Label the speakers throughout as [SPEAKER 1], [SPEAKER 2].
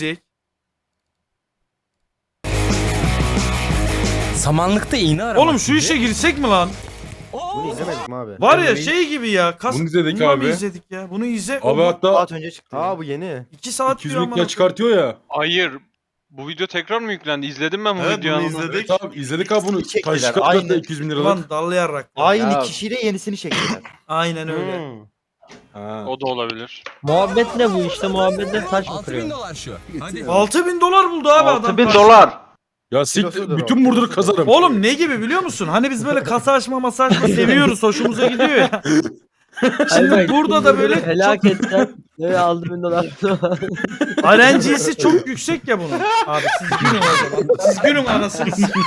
[SPEAKER 1] Samanlıkta iğne aramak.
[SPEAKER 2] Oğlum şu işe girsek mi lan?
[SPEAKER 3] Bunu izlemedik mi abi?
[SPEAKER 2] Var ya şey gibi ya.
[SPEAKER 4] Bunu izledik
[SPEAKER 2] Bundan
[SPEAKER 4] abi.
[SPEAKER 2] mı izledik ya? Bunu izle.
[SPEAKER 4] Abi hatta
[SPEAKER 3] Saat önce çıktı. Aa bu yeni.
[SPEAKER 2] 2 saat
[SPEAKER 4] 200
[SPEAKER 2] diyor
[SPEAKER 4] bin
[SPEAKER 2] amına
[SPEAKER 4] çıkartıyor ya.
[SPEAKER 5] Hayır. Bu video tekrar mı yüklendi? İzledim ben bu
[SPEAKER 6] Evet
[SPEAKER 5] videoyu.
[SPEAKER 6] bunu
[SPEAKER 5] anasını.
[SPEAKER 6] izledik.
[SPEAKER 4] Evet abi izledik abi bunu.
[SPEAKER 3] Çektiler,
[SPEAKER 4] Taş çıkartıyor
[SPEAKER 3] aynı.
[SPEAKER 4] 200 bin
[SPEAKER 2] koyayım.
[SPEAKER 4] liralık.
[SPEAKER 2] Ulan dallayarak.
[SPEAKER 3] Aynı
[SPEAKER 5] Ya.
[SPEAKER 3] kişiyle yenisini çektiler.
[SPEAKER 2] Aynen öyle.
[SPEAKER 6] Hmm.
[SPEAKER 4] Ha.
[SPEAKER 5] O da olabilir.
[SPEAKER 7] Muhabbet ne bu işte muhabbetle taş mı
[SPEAKER 1] 6000
[SPEAKER 7] kırıyor?
[SPEAKER 1] dolar şu. Hadi.
[SPEAKER 2] $6.000 buldu abi adam.
[SPEAKER 5] 6000 dolar.
[SPEAKER 4] Ya siktir
[SPEAKER 3] Kilosudur
[SPEAKER 4] bütün
[SPEAKER 3] o,
[SPEAKER 4] murdur
[SPEAKER 3] kilosudur.
[SPEAKER 4] kazarım.
[SPEAKER 2] Oğlum ne gibi biliyor musun? Hani biz böyle kasa açma masa açma seviyoruz. Hoşumuza gidiyor ya. Şimdi
[SPEAKER 7] Hayır,
[SPEAKER 2] burada da böyle
[SPEAKER 7] helak ettiler. Böyle aldı $1000.
[SPEAKER 2] RNG'si çok yüksek ya bunun. Abi siz günün o zaman. Siz günün anasını s**eyim.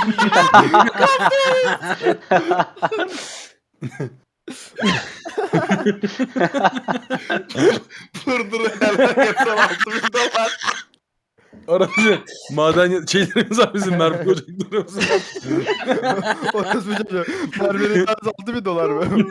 [SPEAKER 6] Pırdır helal yapsam $6.000.
[SPEAKER 4] Aracı maden şeylerimiz var bizim Merve ocaklarımız.
[SPEAKER 3] Orası bir çocuğu. Merve'nin tanesi $6.000 mı?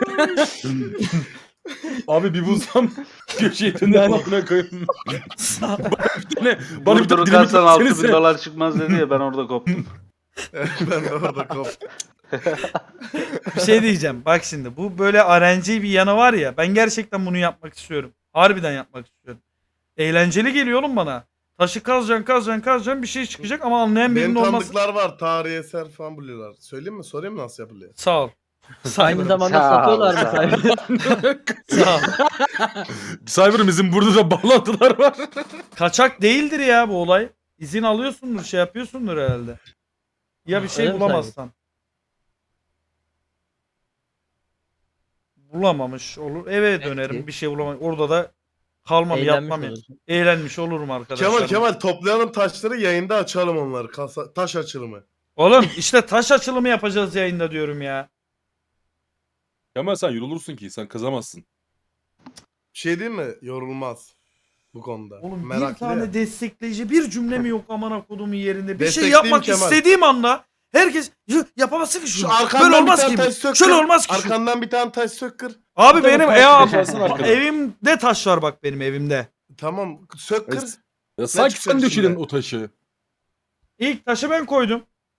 [SPEAKER 4] Abi bir bulsam köşeye döner amına koyayım. Bana bir
[SPEAKER 5] Durdur
[SPEAKER 4] tane
[SPEAKER 5] kalsan
[SPEAKER 4] dinamit
[SPEAKER 5] 6000
[SPEAKER 4] versenize.
[SPEAKER 5] dolar çıkmaz dedi ya ben orada koptum.
[SPEAKER 6] Ben de orada koptum.
[SPEAKER 2] Bir şey diyeceğim. Bak şimdi bu böyle RNG bir yanı var ya. Ben gerçekten bunu yapmak istiyorum. Harbiden yapmak istiyorum. Eğlenceli geliyor oğlum bana. Taşı kazacaksın bir şey çıkacak ama anlayan
[SPEAKER 6] Benim
[SPEAKER 2] birinin olması.
[SPEAKER 6] tanıdıklar var. Tarihi eser falan buluyorlar. Söyleyeyim mi? Sorayım mı nasıl yapılıyor?
[SPEAKER 2] Sağ ol.
[SPEAKER 7] Aynı zamanda
[SPEAKER 5] Sağ ol,
[SPEAKER 7] satıyorlar mı
[SPEAKER 5] sağ ol.
[SPEAKER 7] sahibi?
[SPEAKER 2] Sağ ol.
[SPEAKER 4] Cyber bizim burada da bağlantılar var.
[SPEAKER 2] Kaçak değildir ya bu olay. İzin alıyorsundur, şey yapıyorsundur herhalde. Ya bir şey
[SPEAKER 7] Öyle mi
[SPEAKER 2] bulamazsan. Bulamamış olur. Eve dönerim bir şey bulamam. Orada da kalmam
[SPEAKER 7] Eğlenmiş
[SPEAKER 2] yapmam ya.
[SPEAKER 7] olursun.
[SPEAKER 2] Eğlenmiş olurum arkadaşlar.
[SPEAKER 6] Kemal toplayalım taşları yayında açalım onları. Taş açılımı.
[SPEAKER 2] Oğlum işte taş açılımı yapacağız yayında diyorum ya.
[SPEAKER 4] Kemal sen yorulursun ki sen kazamazsın.
[SPEAKER 6] Bir şey diyeyim mi? Yorulmaz. Bu konuda.
[SPEAKER 2] Oğlum bir
[SPEAKER 6] Meraklı
[SPEAKER 2] tane
[SPEAKER 6] ya.
[SPEAKER 2] destekleyici bir cümle mi yok amına kodumun yerinde. Bir şey
[SPEAKER 6] Destekleyeyim
[SPEAKER 2] yapmak
[SPEAKER 6] Kemal.
[SPEAKER 2] istediğim anda herkes yapamazsın ki şunu.
[SPEAKER 6] Şu
[SPEAKER 2] Böyle
[SPEAKER 6] arkandan bir
[SPEAKER 2] olmaz
[SPEAKER 6] tane
[SPEAKER 2] ki.
[SPEAKER 6] taş sök.
[SPEAKER 2] Şöyle olmaz ki.
[SPEAKER 6] Arkandan bir tane taş sök kır.
[SPEAKER 2] Abi
[SPEAKER 4] Bir tane
[SPEAKER 2] benim
[SPEAKER 4] taş yaşarsın arkada.
[SPEAKER 2] evimde taş var bak benim evimde.
[SPEAKER 6] Tamam sök kır.
[SPEAKER 4] Ya sanki
[SPEAKER 6] çıkacak
[SPEAKER 4] sen döşedin
[SPEAKER 6] içinden?
[SPEAKER 4] o taşı.
[SPEAKER 2] İlk taşı ben koydum.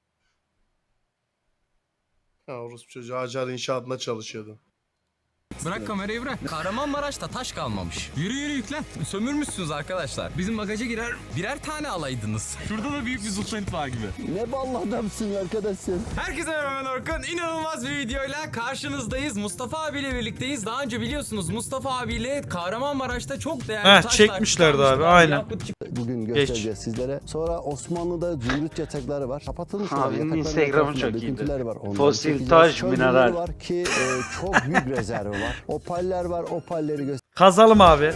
[SPEAKER 6] Ha orospu çocuğu Acar inşaatında çalışıyordu.
[SPEAKER 1] Bırak kamerayı bırak. Kahramanmaraş'ta taş kalmamış. Yürü yürü yüklen. Sömürmüşsünüz arkadaşlar. Bizim bagaja girer birer tane alaydınız. Şurada da büyük bir zulfenit var gibi.
[SPEAKER 8] Ne ballı adamsın arkadaşsın.
[SPEAKER 1] Herkese merhaba ben Orkun. İnanılmaz bir videoyla karşınızdayız. Mustafa abiyle birlikteyiz. Daha önce biliyorsunuz Mustafa abiyle Kahramanmaraş'ta çok değerli taşlar
[SPEAKER 2] çekmişlerdi
[SPEAKER 1] çıkarmıştı.
[SPEAKER 2] abi, aynen.
[SPEAKER 1] Yakut
[SPEAKER 8] Bugün göstereceğiz sizlere. Sonra Osmanlı'da zümrüt yatakları var. Kapatılmış olan
[SPEAKER 5] Abinin
[SPEAKER 8] yatakların
[SPEAKER 5] Instagram'ı
[SPEAKER 8] etrafında
[SPEAKER 5] çok iyiydi.
[SPEAKER 8] döküntüleri var. Onları
[SPEAKER 5] Fosil,
[SPEAKER 8] çekeceğiz.
[SPEAKER 5] taş,
[SPEAKER 8] Çöl
[SPEAKER 5] mineral.
[SPEAKER 8] gölleri var ki çok büyük rezervi var. Opaller var. Opalleri
[SPEAKER 2] Kazalım abi.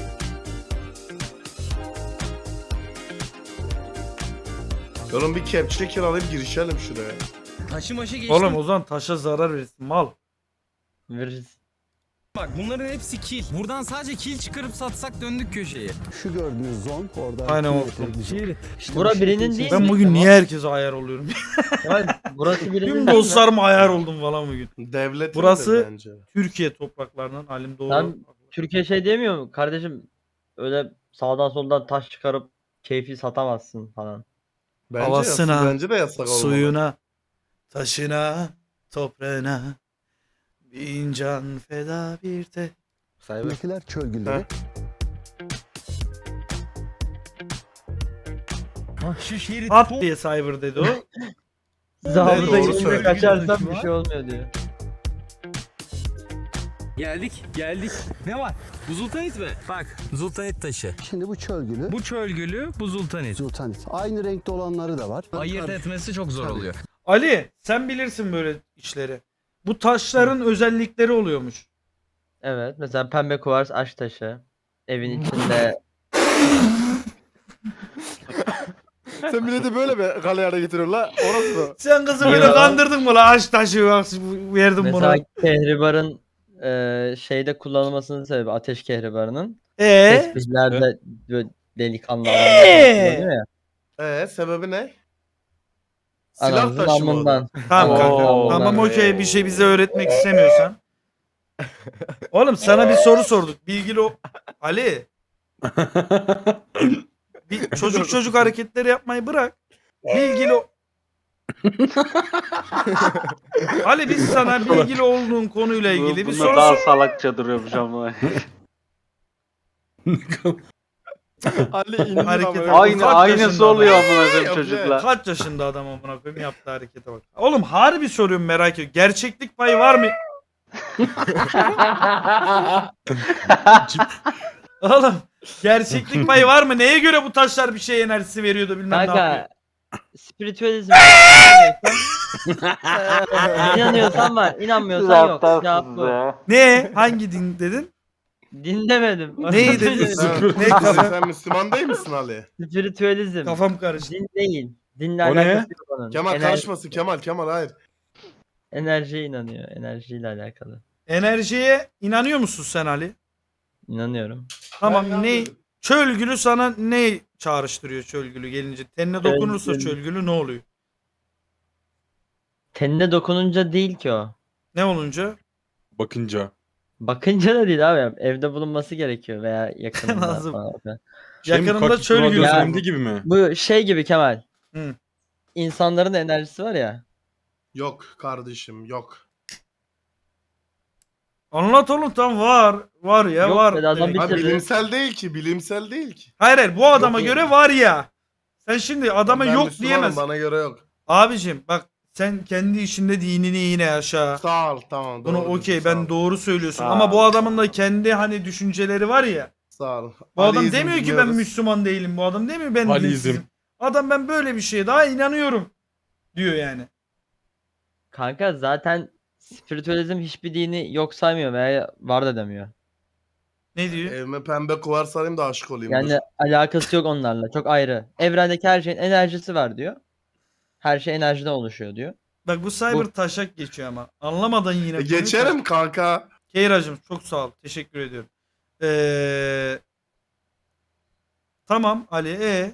[SPEAKER 6] Oğlum bir kepçe kiralayıp girişelim şuraya.
[SPEAKER 1] Taşı maşı geçtim.
[SPEAKER 2] Oğlum o zaman taşa zarar verirsin mal.
[SPEAKER 7] Veririz.
[SPEAKER 1] Bak bunların hepsi kil. Buradan sadece kil çıkarıp satsak döndük köşeye.
[SPEAKER 8] şu gördüğünüz zon orada.
[SPEAKER 2] Aynen o.
[SPEAKER 8] İşte
[SPEAKER 7] Bura
[SPEAKER 8] bu şekilde
[SPEAKER 7] birinin değil
[SPEAKER 2] Ben
[SPEAKER 7] mi?
[SPEAKER 2] bugün niye herkese ayar oluyorum?
[SPEAKER 7] Kemal, burası birinin
[SPEAKER 2] Tüm
[SPEAKER 7] değil mi?
[SPEAKER 2] dostlarıma ayar oldum falan bugün.
[SPEAKER 6] Devlet
[SPEAKER 2] Burası-
[SPEAKER 6] bence.
[SPEAKER 2] Türkiye topraklarının halim doğru.
[SPEAKER 7] Sen Türkiye şey diyemiyor mu? Kardeşim öyle sağdan soldan taş çıkarıp keyfi satamazsın falan.
[SPEAKER 6] Bence
[SPEAKER 2] Havasına,
[SPEAKER 6] yasak, bence de yasak olmalı.
[SPEAKER 2] Suyuna, taşına, toprağına bin can feda bir de.
[SPEAKER 8] Buradakiler çöl gülleri.
[SPEAKER 1] Şu şerit
[SPEAKER 2] At diye cyber dedi o.
[SPEAKER 7] Zabıta
[SPEAKER 6] doğru
[SPEAKER 7] gibi
[SPEAKER 6] söylüyor.
[SPEAKER 7] kaçarsan bir şey olmuyor diyor.
[SPEAKER 1] Geldik. Ne var? Bu zultanit mi? Bak zultanit taşı.
[SPEAKER 8] Şimdi bu çöl gülü.
[SPEAKER 1] Bu çöl gülü, bu zultanit.
[SPEAKER 8] Sultanit. Aynı renkte olanları da var.
[SPEAKER 1] Ayırt etmesi çok zor
[SPEAKER 8] Tabii.
[SPEAKER 1] oluyor.
[SPEAKER 2] Ali sen bilirsin böyle işleri. Bu taşların özellikleri oluyormuş.
[SPEAKER 7] Evet mesela pembe kuvars aş taşı. Evin içinde
[SPEAKER 3] Sen milleti böyle mi galeyana getiriyorsun la? Orası mı?
[SPEAKER 2] Sen kızı böyle kandırdın mı la aç taşı verdim
[SPEAKER 7] mesela
[SPEAKER 2] bunu.
[SPEAKER 7] kehribarın şeyde kullanılmasının sebebi ateş kehribarının. Tesbihlerde böyle delikanlı adamlar kullanıyor ya.
[SPEAKER 6] Sebebi ne? Silah
[SPEAKER 7] Anamızın
[SPEAKER 6] taşı mı o da?
[SPEAKER 7] amından.
[SPEAKER 2] Tamam kanka.
[SPEAKER 7] Oo,
[SPEAKER 2] Tamam
[SPEAKER 7] ben-
[SPEAKER 2] okey bir şey bize öğretmek istemiyorsan. Oğlum sana bir soru sorduk. Bilgili o. Ali Bir çocuk hareketleri yapmayı bırak. Bilgili Ali biz sana bilgili olduğun konuyla ilgili bir soru
[SPEAKER 5] daha
[SPEAKER 2] sor.
[SPEAKER 5] salakça duruyormuş ama.
[SPEAKER 3] Ali indi
[SPEAKER 2] Hareket-
[SPEAKER 3] ama.
[SPEAKER 2] Kaç yaşında
[SPEAKER 5] Aynısı
[SPEAKER 2] adam?
[SPEAKER 5] oluyor amına koyayım
[SPEAKER 3] Yapıyor.
[SPEAKER 5] çocukla.
[SPEAKER 2] Kaç yaşında adam amına koyayım yaptığı harekete bak. Oğlum harbi soruyorum merak ediyorum. Gerçeklik payı var mı? Oğlum gerçeklik payı var mı? Neye göre bu taşlar bir şey enerjisi veriyordu bilmem ne yapıyor.
[SPEAKER 7] Kanka spiritüalizm inanıyorsan var, inanmıyorsan yok. Cevap bu.
[SPEAKER 2] Ne? Hangi din dedin?
[SPEAKER 7] Din demedim.
[SPEAKER 2] Neyi dedin?
[SPEAKER 6] Sen,
[SPEAKER 2] Ne
[SPEAKER 6] Ali,
[SPEAKER 2] kafa?
[SPEAKER 6] sen Müslüman değil misin Ali?
[SPEAKER 7] Spiritüalizm.
[SPEAKER 2] Kafam karıştı.
[SPEAKER 7] Din değil. Dinle
[SPEAKER 4] O ne?
[SPEAKER 7] alakası yok onun.
[SPEAKER 6] Kemal karışmasın Kemal hayır.
[SPEAKER 7] Enerjiye inanıyor. Enerjiyle alakalı.
[SPEAKER 2] Enerjiye inanıyor musun sen Ali?
[SPEAKER 7] İnanıyorum.
[SPEAKER 2] Tamam
[SPEAKER 6] Ben
[SPEAKER 2] ne?
[SPEAKER 6] inanmıyorum.
[SPEAKER 2] Çölgülü sana ne çağrıştırıyor çölgülü gelince? Tenine dokunursa
[SPEAKER 7] Çölgülü.
[SPEAKER 2] çölgülü ne oluyor?
[SPEAKER 7] Tenine dokununca değil ki o.
[SPEAKER 2] Ne olunca?
[SPEAKER 4] Bakınca.
[SPEAKER 7] Bakınca da değil abi. Evde bulunması gerekiyor veya yakınında
[SPEAKER 2] Lazım.
[SPEAKER 7] falan.
[SPEAKER 4] Şey mi,
[SPEAKER 2] Yakınında
[SPEAKER 4] Kaktus
[SPEAKER 2] çölgülü.
[SPEAKER 4] Radyo
[SPEAKER 7] Ya.
[SPEAKER 4] filmde gibi mi?
[SPEAKER 7] Bu şey gibi Kemal.
[SPEAKER 2] Hı.
[SPEAKER 7] İnsanların enerjisi var ya.
[SPEAKER 6] Yok kardeşim yok.
[SPEAKER 2] Anlat oğlum tam var. Var ya
[SPEAKER 7] Yok
[SPEAKER 2] var.
[SPEAKER 7] dedi adam
[SPEAKER 2] demek.
[SPEAKER 7] bir-
[SPEAKER 6] Ha,
[SPEAKER 7] Bitirdi.
[SPEAKER 6] bilimsel değil ki.
[SPEAKER 2] Hayır bu adama
[SPEAKER 6] Yok
[SPEAKER 2] göre var ya. Sen şimdi adama
[SPEAKER 6] Ben
[SPEAKER 2] yok
[SPEAKER 6] Müslümanım,
[SPEAKER 2] diyemezsin.
[SPEAKER 6] Bana göre yok.
[SPEAKER 2] Abicim bak sen kendi işinde dinini yine yaşa.
[SPEAKER 6] Sağ ol tamam.
[SPEAKER 2] Bunu
[SPEAKER 6] doğru
[SPEAKER 2] okey
[SPEAKER 6] diyorsun, sağ
[SPEAKER 2] ben
[SPEAKER 6] ol.
[SPEAKER 2] doğru söylüyorsun.
[SPEAKER 6] Sağ
[SPEAKER 2] Ama
[SPEAKER 6] ol.
[SPEAKER 2] bu adamın da kendi hani düşünceleri var ya.
[SPEAKER 6] Sağ ol.
[SPEAKER 2] Bu adam
[SPEAKER 6] Aliizm
[SPEAKER 2] demiyor ki ben
[SPEAKER 6] dinliyoruz.
[SPEAKER 2] Müslüman değilim. Bu adam demiyor ben
[SPEAKER 4] Aliizm.
[SPEAKER 2] dinsizim. Adam ben böyle bir şeye daha inanıyorum diyor yani.
[SPEAKER 7] Kanka zaten spiritüalizm hiçbir dini yok saymıyor veya var da demiyor.
[SPEAKER 2] Ne diyor?
[SPEAKER 6] Evime pembe kuvar sarayım da aşık olayım.
[SPEAKER 7] Yani
[SPEAKER 6] dur.
[SPEAKER 7] alakası yok onlarla. Çok ayrı. Evrendeki her şeyin enerjisi var diyor. Her şey enerjiden oluşuyor diyor.
[SPEAKER 2] Bak bu cyber taşak geçiyor ama. Anlamadan yine. konuyu
[SPEAKER 6] Geçerim kanka.
[SPEAKER 2] Keyracım çok sağ ol. Teşekkür ediyorum. Tamam Ali.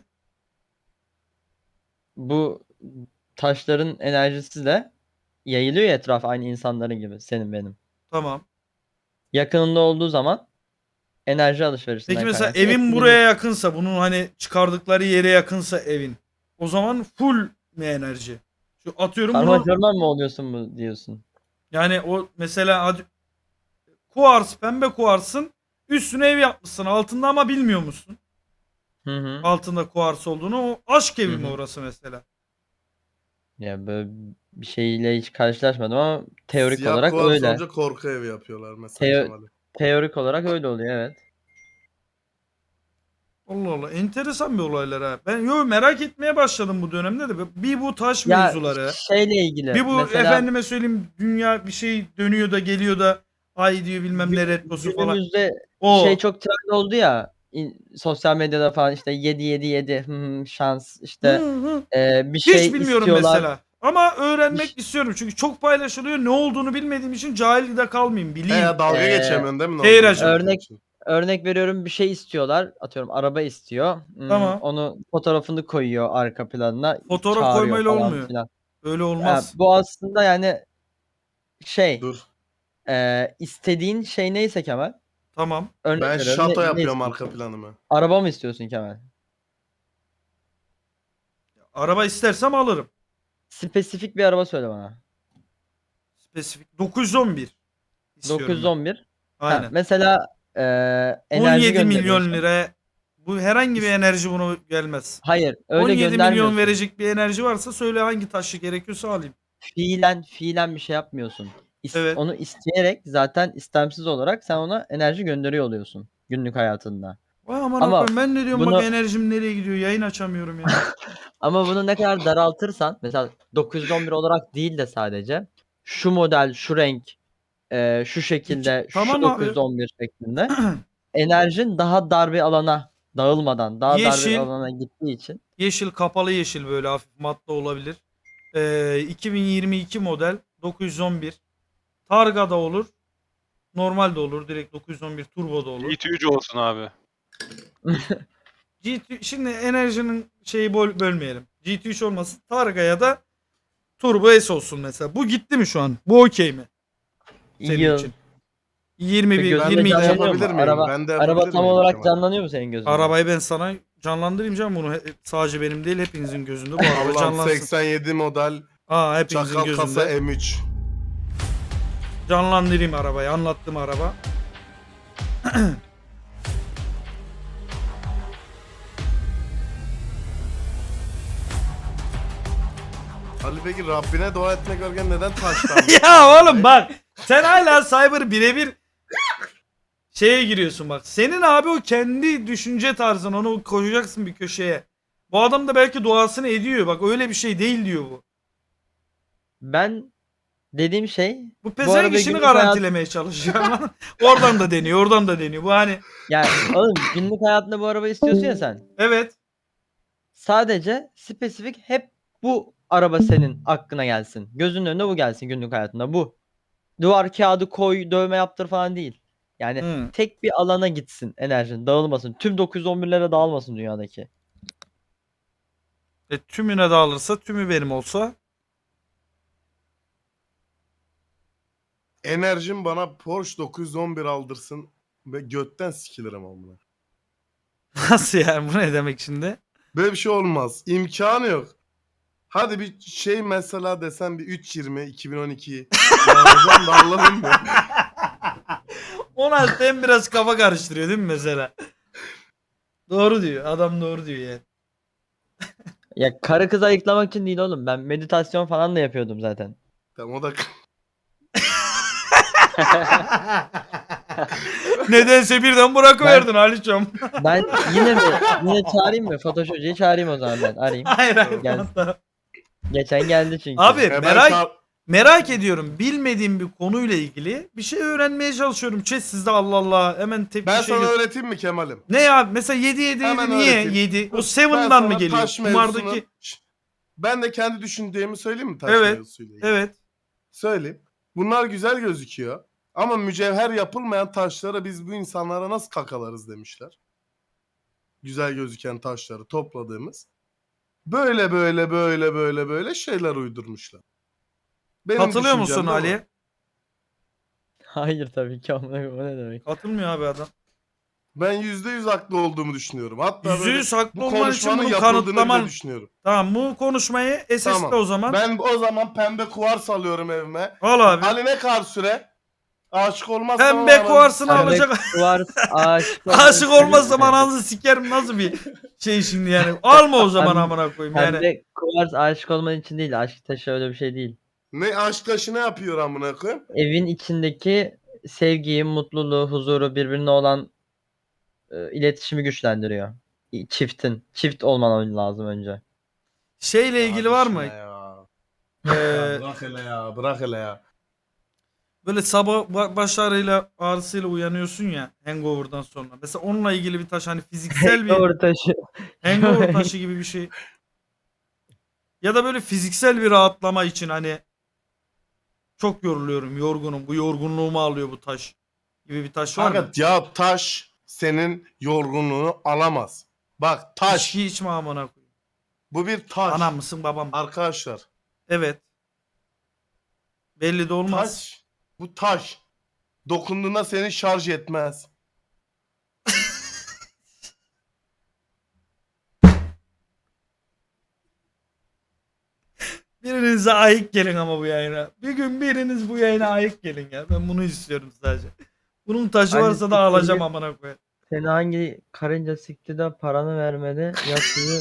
[SPEAKER 7] Bu taşların enerjisi de yayılıyor ya etrafa aynı insanların gibi. Senin benim.
[SPEAKER 2] Tamam.
[SPEAKER 7] Yakınında olduğu zaman enerji alışverişinden
[SPEAKER 2] Peki mesela
[SPEAKER 7] kaynaklı
[SPEAKER 2] evin
[SPEAKER 7] etkileniyor.
[SPEAKER 2] buraya yakınsa bunun hani çıkardıkları yere yakınsa evin. O zaman full mi enerji? Şu atıyorum bunu.
[SPEAKER 7] Karman mı oluyorsun mu diyorsun?
[SPEAKER 2] Yani o mesela hadi kuars pembe kuarsın üstüne ev yapmışsın altında ama bilmiyor musun?
[SPEAKER 7] Hı hı.
[SPEAKER 2] Altında kuars olduğunu o aşk evi
[SPEAKER 7] Hı
[SPEAKER 2] mi
[SPEAKER 7] hı.
[SPEAKER 2] orası mesela?
[SPEAKER 7] Ya böyle bir şeyle hiç karşılaşmadım ama teorik
[SPEAKER 6] Siyah
[SPEAKER 7] olarak
[SPEAKER 6] kuvar
[SPEAKER 7] öyle.
[SPEAKER 6] sorunca korku evi yapıyorlar mesela
[SPEAKER 7] Teo-
[SPEAKER 6] Kemal'i.
[SPEAKER 7] Teorik olarak öyle oluyor evet.
[SPEAKER 2] Allah Allah enteresan bir olaylar ha. Ben merak etmeye başladım bu dönemde de bir bu taş
[SPEAKER 7] Ya
[SPEAKER 2] mevzuları.
[SPEAKER 7] şeyle ilgili
[SPEAKER 2] Bir bu
[SPEAKER 7] mesela
[SPEAKER 2] efendime söyleyeyim dünya bir şey dönüyor da geliyor da ay diyor bilmem ne retrosu falan.
[SPEAKER 7] günümüzde
[SPEAKER 2] O
[SPEAKER 7] şey çok trend oldu ya sosyal medyada falan işte 7 şans işte
[SPEAKER 2] Hı, hı.
[SPEAKER 7] bir
[SPEAKER 2] Hiç
[SPEAKER 7] şey
[SPEAKER 2] bilmiyorum
[SPEAKER 7] istiyorlar.
[SPEAKER 2] mesela. Ama öğrenmek istiyorum çünkü çok paylaşılıyor. Ne olduğunu bilmediğim için cahil de kalmayayım. Bileyim.
[SPEAKER 6] Dalga
[SPEAKER 7] Ee,
[SPEAKER 6] geçemiyorsun değil mi?
[SPEAKER 2] Keyracım.
[SPEAKER 7] Örnek veriyorum bir şey istiyorlar. Atıyorum araba istiyor.
[SPEAKER 2] Tamam.
[SPEAKER 7] Onu fotoğrafını koyuyor arka planına.
[SPEAKER 2] Fotoğraf
[SPEAKER 7] çağırıyor
[SPEAKER 2] koymayla
[SPEAKER 7] falan
[SPEAKER 2] olmuyor.
[SPEAKER 7] filan.
[SPEAKER 2] Öyle
[SPEAKER 7] Ha,
[SPEAKER 2] olmaz.
[SPEAKER 7] bu aslında yani şey
[SPEAKER 6] Dur.
[SPEAKER 7] istediğin şey neyse Kemal.
[SPEAKER 2] Tamam.
[SPEAKER 7] Örnek
[SPEAKER 6] Ben
[SPEAKER 7] veriyorum,
[SPEAKER 6] şato
[SPEAKER 7] ne
[SPEAKER 6] yapıyorum
[SPEAKER 7] istiyorsun?
[SPEAKER 6] arka planımı.
[SPEAKER 7] Araba mı istiyorsun Kemal?
[SPEAKER 2] Araba istersem alırım.
[SPEAKER 7] Spesifik bir araba söyle bana.
[SPEAKER 2] Spesifik. 911. istiyorum ben.
[SPEAKER 7] 911. Ha,
[SPEAKER 2] Aynen.
[SPEAKER 7] mesela enerji
[SPEAKER 2] 17 milyon
[SPEAKER 7] gönderiyorsun.
[SPEAKER 2] lira. Bu herhangi bir enerji bunu gelmez.
[SPEAKER 7] Hayır, öyle
[SPEAKER 2] 17 milyon
[SPEAKER 7] göndermiyorsun.
[SPEAKER 2] verecek bir enerji varsa söyle hangi taşı gerekiyorsa alayım.
[SPEAKER 7] Fiilen bir şey yapmıyorsun.
[SPEAKER 2] Evet.
[SPEAKER 7] Onu isteyerek zaten istemsiz olarak sen ona enerji gönderiyor oluyorsun günlük hayatında.
[SPEAKER 2] Vay aman
[SPEAKER 7] Ama
[SPEAKER 2] Allah'ım, ben ne diyorum
[SPEAKER 7] bunu-
[SPEAKER 2] bak enerjim nereye gidiyor yayın açamıyorum ya.
[SPEAKER 7] Ama bunu ne kadar daraltırsan mesela 911 olarak değil de sadece şu model, şu renk, şu şekilde,
[SPEAKER 2] Tamam
[SPEAKER 7] şu
[SPEAKER 2] abi.
[SPEAKER 7] 911 şeklinde enerjin daha dar bir alana dağılmadan daha dar
[SPEAKER 2] Yeşil.
[SPEAKER 7] bir alana gittiği için
[SPEAKER 2] Yeşil kapalı yeşil böyle hafif matlı olabilir. 2022 model 911. Targa da olur. Normal de olur. Direkt 911 turbo da olur.
[SPEAKER 5] GT3 olsun abi.
[SPEAKER 2] Şimdi enerjinin şeyi bölmeyelim. GT3 olmasın. Targa ya da Turbo S olsun mesela. Bu gitti mi şu an? Bu okey mi? Senin
[SPEAKER 7] yıl.
[SPEAKER 2] için. 21,
[SPEAKER 7] Peki, gözünde
[SPEAKER 2] 22.
[SPEAKER 7] canlanıyor mu?
[SPEAKER 6] yapabilir miyim?
[SPEAKER 7] Araba,
[SPEAKER 6] Ben de
[SPEAKER 7] araba
[SPEAKER 6] yapabilir
[SPEAKER 7] tam
[SPEAKER 6] miyim
[SPEAKER 7] olarak
[SPEAKER 6] Kemal?
[SPEAKER 7] canlanıyor mu senin gözünde?
[SPEAKER 2] Arabayı ben sana Canlandırayım canım bunu. Sadece benim değil hepinizin gözünde bu araba
[SPEAKER 6] Allah'ım
[SPEAKER 2] canlansın.
[SPEAKER 6] 87 model
[SPEAKER 2] Aa hepinizin
[SPEAKER 6] çakal kasa
[SPEAKER 2] gözünde.
[SPEAKER 6] M3.
[SPEAKER 2] Canlandırayım arabayı. Anlattım araba.
[SPEAKER 6] Ali peki Rabbine dua etmek varken neden taştan?
[SPEAKER 2] Ya oğlum bak. Sen hala Cyber birebir şeye giriyorsun bak. Senin abi o kendi düşünce tarzın. Onu koyacaksın bir köşeye. Bu adam da belki duasını ediyor. Bak öyle bir şey değil diyor bu.
[SPEAKER 7] Ben dediğim şey
[SPEAKER 2] Bu
[SPEAKER 7] arada
[SPEAKER 2] pezevenk işini
[SPEAKER 7] günlük
[SPEAKER 2] garantilemeye çalışıyor ama oradan da deniyor, oradan da deniyor. Bu hani
[SPEAKER 7] yani oğlum günlük hayatında bu arabayı istiyorsun ya sen.
[SPEAKER 2] evet.
[SPEAKER 7] Sadece spesifik hep bu araba senin aklına gelsin. Gözünün önüne bu gelsin günlük hayatında bu. Duvar kağıdı koy, dövme yaptır falan değil. Yani
[SPEAKER 2] Hı.
[SPEAKER 7] tek bir alana gitsin enerjin, dağılmasın. Tüm 911'lere dağılmasın dünyadaki.
[SPEAKER 2] Tümüne dağılırsa tümü benim olsa.
[SPEAKER 6] Enerjim bana Porsche 911 aldırsın ve götten sikilirim amına.
[SPEAKER 2] Nasıl yani bu ne demek şimdi?
[SPEAKER 6] Böyle bir şey olmaz. İmkanı yok. Hadi bir şey mesela desem bir 320 2012 yanacağım da Allah'ım ya.
[SPEAKER 2] 16 hem biraz kafa karıştırıyor değil mi mesela? Doğru diyor. Adam doğru diyor yani.
[SPEAKER 7] Ya karı kız ayıklamak için değil oğlum. Ben meditasyon falan da yapıyordum zaten.
[SPEAKER 6] Tamam o da
[SPEAKER 2] Nedense birden bırakıverdin Aliçom.
[SPEAKER 7] Ben yine çağırayım mı? Fatoş Hoca'yı çağırayım o zaman ben. Arayayım.
[SPEAKER 2] Hayır hayır.
[SPEAKER 7] Gel.
[SPEAKER 2] tamam.
[SPEAKER 7] Geçen geldi çünkü.
[SPEAKER 2] Abi
[SPEAKER 6] Ben
[SPEAKER 2] merak ediyorum. Bilmediğim bir konuyla ilgili bir şey öğrenmeye çalışıyorum. Chat sizde Allah Allah. Hemen tepki
[SPEAKER 6] ben
[SPEAKER 2] şey
[SPEAKER 6] sana
[SPEAKER 2] gö-
[SPEAKER 6] öğreteyim mi Kemal'im?
[SPEAKER 2] Ne ya? Mesela 7
[SPEAKER 6] Hemen
[SPEAKER 2] niye
[SPEAKER 6] öğreteyim.
[SPEAKER 2] 7? O
[SPEAKER 6] Ben
[SPEAKER 2] 7'dan
[SPEAKER 6] sana
[SPEAKER 2] mı geliyor?
[SPEAKER 6] taş
[SPEAKER 2] Kumardaki.
[SPEAKER 6] mevzusunu- Şşt, ben de kendi düşündüğümü söyleyeyim mi taş
[SPEAKER 2] Evet,
[SPEAKER 6] mevzusuyla ilgili?
[SPEAKER 2] Evet.
[SPEAKER 6] Söyleyeyim. Bunlar güzel gözüküyor. Ama mücevher yapılmayan taşlara biz bu insanlara nasıl kakalarız demişler. Güzel gözüken taşları topladığımız. Böyle şeyler uydurmuşlar. Benim
[SPEAKER 2] Katılıyor
[SPEAKER 6] düşüncem
[SPEAKER 2] musun
[SPEAKER 6] de bu.
[SPEAKER 2] Ali?
[SPEAKER 7] Hayır tabii ki amına koyayım, o ne demek?
[SPEAKER 2] Katılmıyor abi adam.
[SPEAKER 6] Ben %100 haklı olduğumu düşünüyorum. Hatta
[SPEAKER 2] Yüzde
[SPEAKER 6] böyle
[SPEAKER 2] yüz haklı
[SPEAKER 6] bu
[SPEAKER 2] olman için
[SPEAKER 6] konuşmanın
[SPEAKER 2] bunu
[SPEAKER 6] yapıldığını
[SPEAKER 2] kanıtlaman.
[SPEAKER 6] bile düşünüyorum.
[SPEAKER 2] Tamam bu konuşmayı SS'le
[SPEAKER 6] Tamam.
[SPEAKER 2] o zaman.
[SPEAKER 6] Ben o zaman pembe kuvars alıyorum evime.
[SPEAKER 2] Al abi.
[SPEAKER 6] Ali ne kadar süre? Aşık olmazsam
[SPEAKER 2] Pembe
[SPEAKER 6] ama-
[SPEAKER 2] kuvarsını
[SPEAKER 7] Pembe
[SPEAKER 2] alacak.
[SPEAKER 7] kuvars, aşık
[SPEAKER 2] Aşık olmazsam ananızı sikerim nasıl bir şey şimdi yani. Alma o zaman amına koyayım yani.
[SPEAKER 7] Pembe kuvars aşık olman için değil. Aşk taşı öyle bir şey değil.
[SPEAKER 6] Ne aşk taşı ne yapıyor amına koyayım?
[SPEAKER 7] Evin içindeki sevgiyi, mutluluğu, huzuru, birbirine olan iletişimi güçlendiriyor. Çift olman lazım önce.
[SPEAKER 2] Şeyle ilgili var mı?
[SPEAKER 6] Ya. Ya
[SPEAKER 2] Ee,
[SPEAKER 6] bırak hele ya, bırak hele ya.
[SPEAKER 2] böyle sabah baş ağrıyla ağrısıyla uyanıyorsun ya hangover'dan sonra. Mesela onunla ilgili bir taş hani fiziksel bir
[SPEAKER 7] Doğru taşı.
[SPEAKER 2] hangover taşı gibi bir şey. Ya da böyle fiziksel bir rahatlama için hani çok yoruluyorum, yorgunum. Bu yorgunluğumu alıyor bu taş gibi bir taş var mı?
[SPEAKER 6] Fakat ya taş senin yorgunluğunu alamaz. Bak taş.
[SPEAKER 2] İçki içme amına koyayım.
[SPEAKER 6] Bu bir taş.
[SPEAKER 2] Anam mısın babam?
[SPEAKER 6] Arkadaşlar.
[SPEAKER 2] Evet. Belli de olmaz.
[SPEAKER 6] Taş. Bu taş. Dokunduğunda seni şarj etmez.
[SPEAKER 2] Birinize ayık gelin ama bu yayına. Bir gün biriniz bu yayına ayık gelin ya. Ben bunu istiyorum sadece. Bunun taşı
[SPEAKER 7] Hani
[SPEAKER 2] varsa da alacağım amına koyayım.
[SPEAKER 7] Seni hangi karınca sikti de paranı vermedi? Yatıyı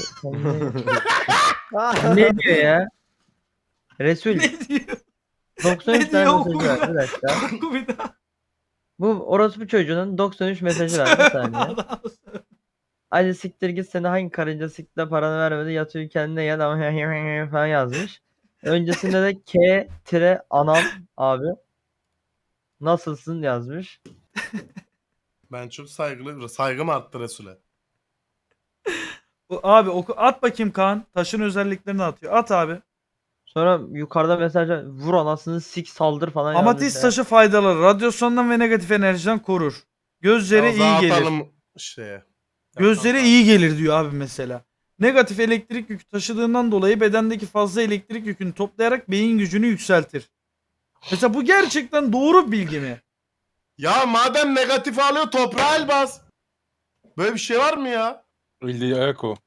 [SPEAKER 7] ne diyor ya? Resul.
[SPEAKER 2] Ne diyor?
[SPEAKER 7] 93
[SPEAKER 2] Ne
[SPEAKER 7] tane
[SPEAKER 2] diyor?
[SPEAKER 7] mesajı var. Bir dakika.
[SPEAKER 2] Oku bir daha.
[SPEAKER 7] Bu orospu çocuğunun 93 mesajı var. Bir saniye. Hadi siktir git, seni hangi karınca sikti de paranı vermedi? Yatıyor kendine gel ama falan yazmış. Öncesinde de K-anam abi. Nasılsın yazmış.
[SPEAKER 6] Ben çok saygım arttı Resul'e.
[SPEAKER 2] Abi oku at bakayım Kaan. Taşın özelliklerini atıyor. At abi.
[SPEAKER 7] Sonra yukarıda mesajlar vur anasını sik saldır falan
[SPEAKER 2] Amatist
[SPEAKER 7] yazmış.
[SPEAKER 2] taşı faydaları. Radyasyondan ve negatif enerjiden korur. Gözlere iyi
[SPEAKER 6] Daha
[SPEAKER 2] gelir.
[SPEAKER 6] atalım şeye.
[SPEAKER 2] Gözlere iyi gelir diyor abi mesela. Negatif elektrik yükü taşıdığından dolayı bedendeki fazla elektrik yükünü toplayarak beyin gücünü yükseltir. Mesela bu gerçekten doğru bir bilgi mi?
[SPEAKER 6] Ya madem negatif alıyor toprağa el bas. Böyle bir şey var mı ya?
[SPEAKER 4] Elde ayak o.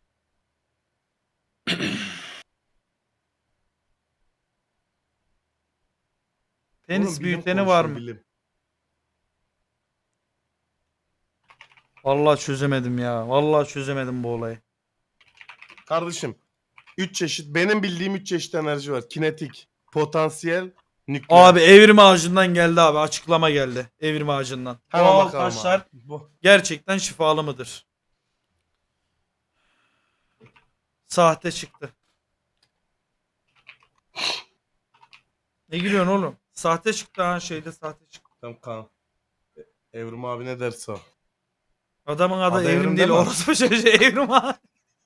[SPEAKER 2] Penis
[SPEAKER 6] Oğlum, bilim
[SPEAKER 2] büyüteni var
[SPEAKER 6] konuşun,
[SPEAKER 2] mı?
[SPEAKER 6] bilim.
[SPEAKER 2] Vallahi çözemedim ya. Vallahi çözemedim bu olayı.
[SPEAKER 6] Kardeşim 3 çeşit benim bildiğim 3 çeşit enerji var. Kinetik, potansiyel, nükleer.
[SPEAKER 2] Abi evrim ağacından geldi abi. Açıklama geldi. Evrim ağacından.
[SPEAKER 6] Hemen
[SPEAKER 2] Doğal
[SPEAKER 6] bakalım
[SPEAKER 2] taşlar
[SPEAKER 6] abi. Bu.
[SPEAKER 2] gerçekten şifalı mıdır? Sahte çıktı. Ne gülüyorsun oğlum? Sahte çıktı ha, şeyde sahte çıktı.
[SPEAKER 6] Tamam Kaan. Evrim abi ne derse o.
[SPEAKER 2] Adamın adı
[SPEAKER 6] Adı
[SPEAKER 2] Evrim
[SPEAKER 6] Evrim
[SPEAKER 2] değil.
[SPEAKER 6] değil mi?
[SPEAKER 2] Orası çocuğu Evrim ağacı.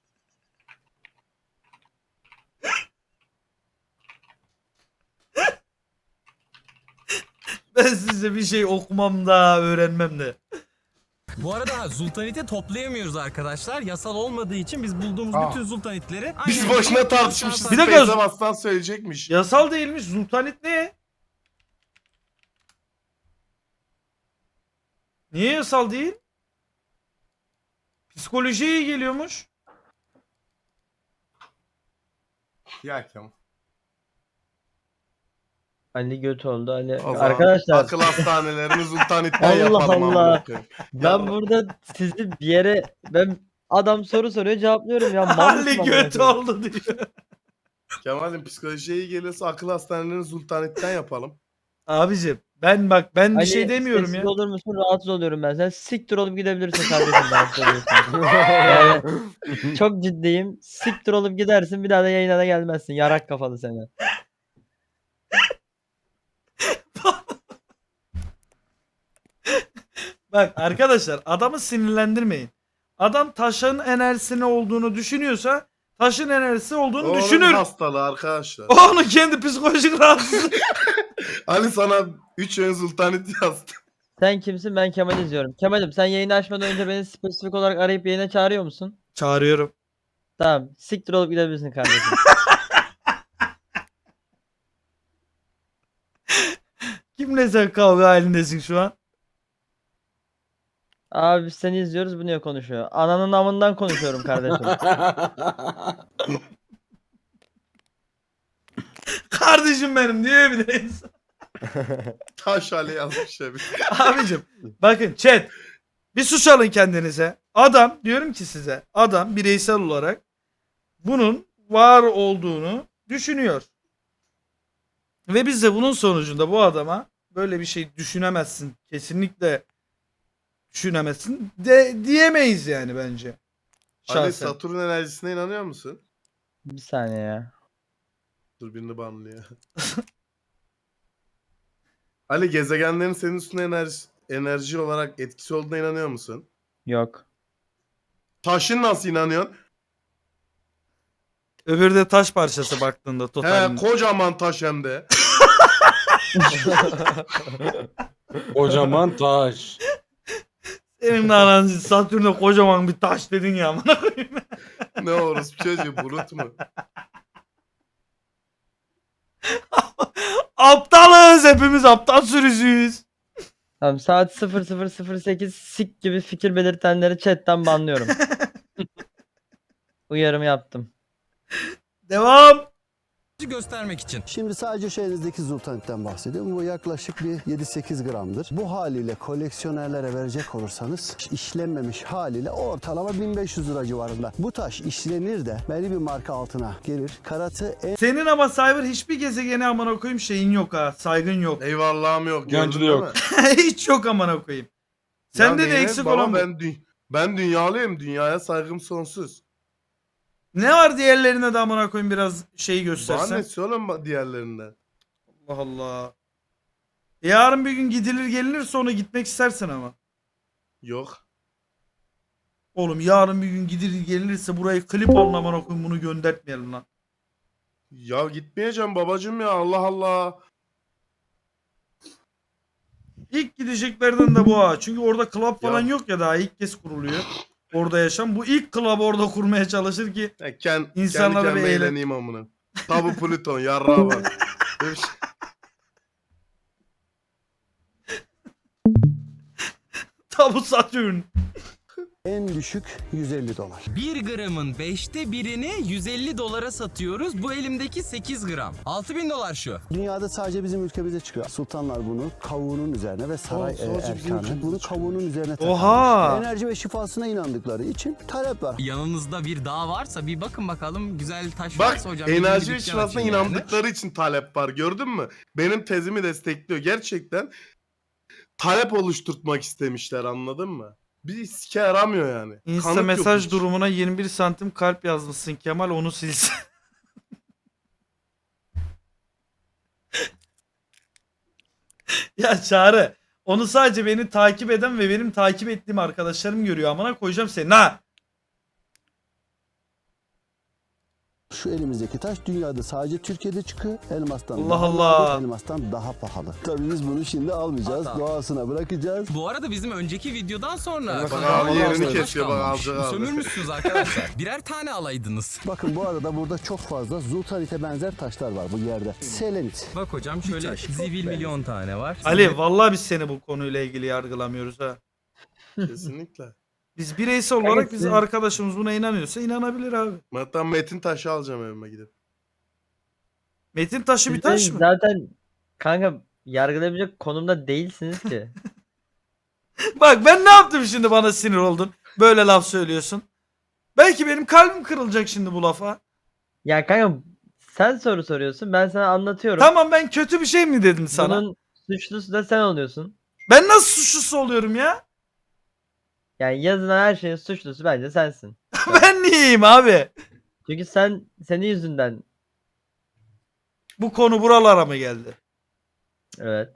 [SPEAKER 2] Ben size bir şey okumam da öğrenmem de.
[SPEAKER 1] Bu arada zultaniti toplayamıyoruz arkadaşlar. Yasal olmadığı için biz bulduğumuz bütün zultanitleri...
[SPEAKER 6] Biz
[SPEAKER 1] aynen-
[SPEAKER 6] boşuna tartışmışız.
[SPEAKER 2] Bir dakika.
[SPEAKER 6] Space'e bastan söyleyecekmiş.
[SPEAKER 2] Yasal değilmiş. Zultanit ne? Niye yasal değil? Psikolojiye iyi geliyormuş.
[SPEAKER 6] Ya Kemal.
[SPEAKER 7] Ali göt oldu. Ali.
[SPEAKER 6] O zaman
[SPEAKER 7] Arkadaşlar
[SPEAKER 6] akıl hastanelerini zultanitten
[SPEAKER 7] Allah
[SPEAKER 6] yapalım.
[SPEAKER 7] Allah.
[SPEAKER 6] amına koyayım.
[SPEAKER 7] ben burada sizi bir yere adam soru soruyor cevaplıyorum ya. Mal
[SPEAKER 2] Ali
[SPEAKER 7] mısın amına
[SPEAKER 2] göt
[SPEAKER 7] koyayım?
[SPEAKER 2] oldu diyor.
[SPEAKER 6] Kemal'im psikolojiye iyi geliyorsa akıl hastanelerini zultanitten yapalım.
[SPEAKER 2] Abicim ben bak ben bir
[SPEAKER 7] Ali,
[SPEAKER 2] şey demiyorum
[SPEAKER 7] sessiz
[SPEAKER 2] ya.
[SPEAKER 7] olur musun? Rahatsız oluyorum ben. Sen siktir olup gidebilirsin kardeşim. Ben söylüyorsun. Yani çok ciddiyim. Siktir olup gidersin. Bir daha da yayına da gelmezsin. Yarak kafalı seni.
[SPEAKER 2] Bak arkadaşlar adamı sinirlendirmeyin. Adam taşın enerjisi ne olduğunu düşünüyorsa taşın enerjisi olduğunu
[SPEAKER 6] Onun
[SPEAKER 2] düşünür.
[SPEAKER 6] hastalığı arkadaşlar.
[SPEAKER 2] Onun kendi psikolojik rahatsızlığı.
[SPEAKER 6] Ali sana 3 ön zultanit yazdı.
[SPEAKER 7] Sen kimsin? Ben Kemal izliyorum. Kemal'im sen yayını açmadan önce beni spesifik olarak arayıp yayına çağırıyor musun?
[SPEAKER 2] Çağırıyorum.
[SPEAKER 7] Tamam. Siktir olup gidebilirsin kardeşim.
[SPEAKER 2] Kimle sen kavga halindesin şu an?
[SPEAKER 7] Abi biz seni izliyoruz. Bu niye konuşuyor? Ananın amından konuşuyorum kardeşim.
[SPEAKER 2] Kardeşim benim diyor bir de insan.
[SPEAKER 6] Taş Ali yazmış ya bir.
[SPEAKER 2] Abicim bakın chat bir sus alın kendinize. Adam diyorum ki size adam bireysel olarak bunun var olduğunu düşünüyor. Ve biz de bunun sonucunda bu adama böyle bir şey düşünemezsin. Kesinlikle düşünemezsin de diyemeyiz yani bence.
[SPEAKER 6] Ali
[SPEAKER 2] Şahsen.
[SPEAKER 6] Satürn enerjisine inanıyor musun?
[SPEAKER 7] Bir saniye ya.
[SPEAKER 6] Dur birini banlıyor. Ali gezegenlerin senin üstüne enerji olarak etkisi olduğuna inanıyor musun?
[SPEAKER 7] Yok.
[SPEAKER 6] Taşın nasıl inanıyorsun?
[SPEAKER 2] Öbürü de taş parçası baktığında
[SPEAKER 6] He
[SPEAKER 2] totalinde.
[SPEAKER 6] kocaman taş hem de.
[SPEAKER 4] Kocaman taş.
[SPEAKER 2] Senin de anan Satürn'e kocaman bir taş dedin ya amına koyayım.
[SPEAKER 6] Ne orospu çocuğu bulut mu?
[SPEAKER 2] Aptalız hepimiz aptal sürüsüyüz.
[SPEAKER 7] Tamam saat 00:08 sik gibi fikir belirtenleri chatten banlıyorum. Uyarımı yaptım.
[SPEAKER 2] Devam.
[SPEAKER 1] göstermek için.
[SPEAKER 8] Şimdi sadece şeyinizdeki zultanitten bahsediyorum. Bu yaklaşık bir 7-8 gramdır. Bu haliyle koleksiyonerlere verecek olursanız işlenmemiş haliyle ortalama 1500 lira civarında. Bu taş işlenir de belli bir marka altına gelir. Karatı en
[SPEAKER 2] Senin ama Cyber hiçbir gezegene amına koyayım şeyin yok ha. Saygın yok.
[SPEAKER 6] Eyvallahım yok.
[SPEAKER 4] Yancı
[SPEAKER 6] gördün
[SPEAKER 4] da
[SPEAKER 6] değil
[SPEAKER 4] yok.
[SPEAKER 6] mi?
[SPEAKER 2] Hiç yok amına koyayım. Sende
[SPEAKER 6] Ya
[SPEAKER 2] de
[SPEAKER 6] neyine?
[SPEAKER 2] eksik
[SPEAKER 6] Baba,
[SPEAKER 2] olan bu.
[SPEAKER 6] ben dünyalıyım. Dünyaya saygım sonsuz.
[SPEAKER 2] Ne var diğerlerine de amına koyayım biraz şeyi
[SPEAKER 6] Bana
[SPEAKER 2] göstersen.
[SPEAKER 6] ne söyleme diğerlerinden.
[SPEAKER 2] Allah Allah. Yarın bir gün gidilir gelinir sonra gitmek istersin ama.
[SPEAKER 6] Yok.
[SPEAKER 2] Oğlum yarın bir gün gidilir gelinirse burayı klip alın amına koyayım bunu göndertmeyelim lan.
[SPEAKER 6] Ya gitmeyeceğim babacım ya Allah Allah.
[SPEAKER 2] İlk gideceklerden de bu ha. Çünkü orada club falan
[SPEAKER 6] Ya.
[SPEAKER 2] yok ya daha ilk kez kuruluyor. Orada yaşam. Bu ilk club orada kurmaya çalışır ki
[SPEAKER 6] Ya
[SPEAKER 2] İnsanlara
[SPEAKER 6] kendi
[SPEAKER 2] bir
[SPEAKER 6] kendime
[SPEAKER 2] eğlen-
[SPEAKER 6] eğleneyim amına. Tabu Plüton yarrağa bak. Böyle bir şey-
[SPEAKER 2] tabu Satürn.
[SPEAKER 8] En düşük 150 dolar.
[SPEAKER 1] 1 gramın 5'te birini 150 dolara satıyoruz. Bu elimdeki 8 gram. 6000 dolar şu.
[SPEAKER 8] Dünyada sadece bizim ülkemize çıkıyor. Sultanlar bunu kavuğunun üzerine ve saray
[SPEAKER 6] sadece bizim
[SPEAKER 8] erkanı
[SPEAKER 6] ülkemizde
[SPEAKER 8] bunu
[SPEAKER 6] çıkıyor.
[SPEAKER 8] kavuğunun üzerine
[SPEAKER 2] Oha!
[SPEAKER 8] takarmış. Enerji ve şifasına inandıkları için talep var.
[SPEAKER 1] Yanınızda bir dağ varsa bir bakın bakalım güzel taş
[SPEAKER 6] Bak
[SPEAKER 1] varsa hocam. bir
[SPEAKER 6] enerji ve
[SPEAKER 1] dükkan
[SPEAKER 6] şifasına
[SPEAKER 1] açayım yani.
[SPEAKER 6] inandıkları için talep var, gördün mü? Benim tezimi destekliyor. Gerçekten talep oluşturtmak istemişler, anladın mı? Bir sike yaramıyor yani.
[SPEAKER 2] Insta
[SPEAKER 6] Kanıt yok
[SPEAKER 2] mesaj
[SPEAKER 6] hiç.
[SPEAKER 2] durumuna 21 santim kalp yazmışsın Kemal, onu silsin. Ya Çağrı, onu sadece beni takip eden ve benim takip ettiğim arkadaşlarım görüyor, amına koyacağım seni ha.
[SPEAKER 8] Şu elimizdeki taş dünyada sadece Türkiye'de çıkıyor. Elmastan
[SPEAKER 2] Allah
[SPEAKER 8] daha
[SPEAKER 2] Allah.
[SPEAKER 8] nadir, elmastan daha pahalı. Tabii biz bunu şimdi almayacağız.
[SPEAKER 1] Hatta.
[SPEAKER 8] Doğasına bırakacağız.
[SPEAKER 1] Bu arada bizim önceki videodan sonra
[SPEAKER 6] Bak
[SPEAKER 1] kanalıma
[SPEAKER 6] abi, yerini
[SPEAKER 1] taş
[SPEAKER 6] kesiyor, bak,
[SPEAKER 1] kalmamış.
[SPEAKER 6] alacak abi.
[SPEAKER 1] Sömürmüşsünüz arkadaşlar. Birer tane alaydınız.
[SPEAKER 8] Bakın bu arada burada çok fazla zultanite benzer taşlar var bu yerde. Selenit.
[SPEAKER 1] Bak hocam şöyle zivil milyon tane var.
[SPEAKER 2] Ali vallahi biz seni bu konuyla ilgili yargılamıyoruz ha.
[SPEAKER 6] Kesinlikle.
[SPEAKER 2] Biz bireysel olarak biz
[SPEAKER 7] sizin-
[SPEAKER 2] arkadaşımız buna inanıyorsa inanabilir abi.
[SPEAKER 6] Hatta metin taşı alacağım evime gidip.
[SPEAKER 2] Metin taşı bir taş mı?
[SPEAKER 7] Zaten kanka yargılayabilecek konumda değilsiniz ki.
[SPEAKER 2] Bak ben ne yaptım şimdi, bana sinir oldun. Böyle laf söylüyorsun. Belki benim kalbim kırılacak şimdi bu lafa.
[SPEAKER 7] Ya kanka sen soru soruyorsun, ben sana anlatıyorum.
[SPEAKER 2] Tamam, ben kötü bir şey mi dedim sana?
[SPEAKER 7] Bunun suçlusu da sen oluyorsun.
[SPEAKER 2] Ben nasıl suçlusu oluyorum ya?
[SPEAKER 7] Yani yazılan her şeyin suçlusu bence sensin.
[SPEAKER 2] Ben niyeyim abi?
[SPEAKER 7] Çünkü senin yüzünden,
[SPEAKER 2] Bu konu buralara mı geldi?
[SPEAKER 7] evet.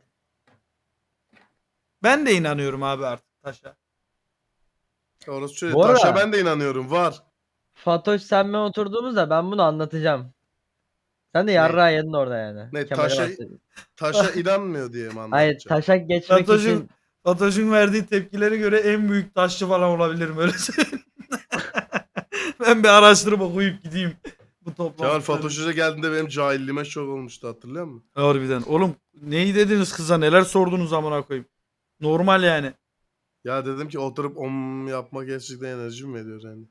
[SPEAKER 2] Ben de inanıyorum abi artık taşa.
[SPEAKER 6] Orası şöyle,
[SPEAKER 7] Bu arada-
[SPEAKER 6] taşa ben de inanıyorum, var.
[SPEAKER 7] Fatoş sen ben oturduğumuzda ben bunu anlatacağım. Sen de yarrağı yedin orada yani.
[SPEAKER 6] Ne,
[SPEAKER 7] Kemal'e
[SPEAKER 6] taşa-
[SPEAKER 7] bahsedeyim.
[SPEAKER 6] Taşa inanmıyor diye mi
[SPEAKER 7] Hayır,
[SPEAKER 6] anlatacağım?
[SPEAKER 7] taşak geçmek
[SPEAKER 2] Fatoş'un
[SPEAKER 7] için
[SPEAKER 2] Fatoş'un verdiği tepkilere göre en büyük taşçı falan olabilirim, öyle söyleyeyim. Ben bir araştırıp okuyup gideyim. Bu
[SPEAKER 6] Kemal
[SPEAKER 2] toplantıları.
[SPEAKER 6] Fatoş Hoca geldiğinde benim cahilliğime şok olmuştu, hatırlıyor musun?
[SPEAKER 2] Harbiden. Oğlum neyi dediniz kıza, neler sordunuz amına koyayım. Normal yani.
[SPEAKER 6] Ya dedim ki oturup yapmak gerçekten enerji mi veriyor yani?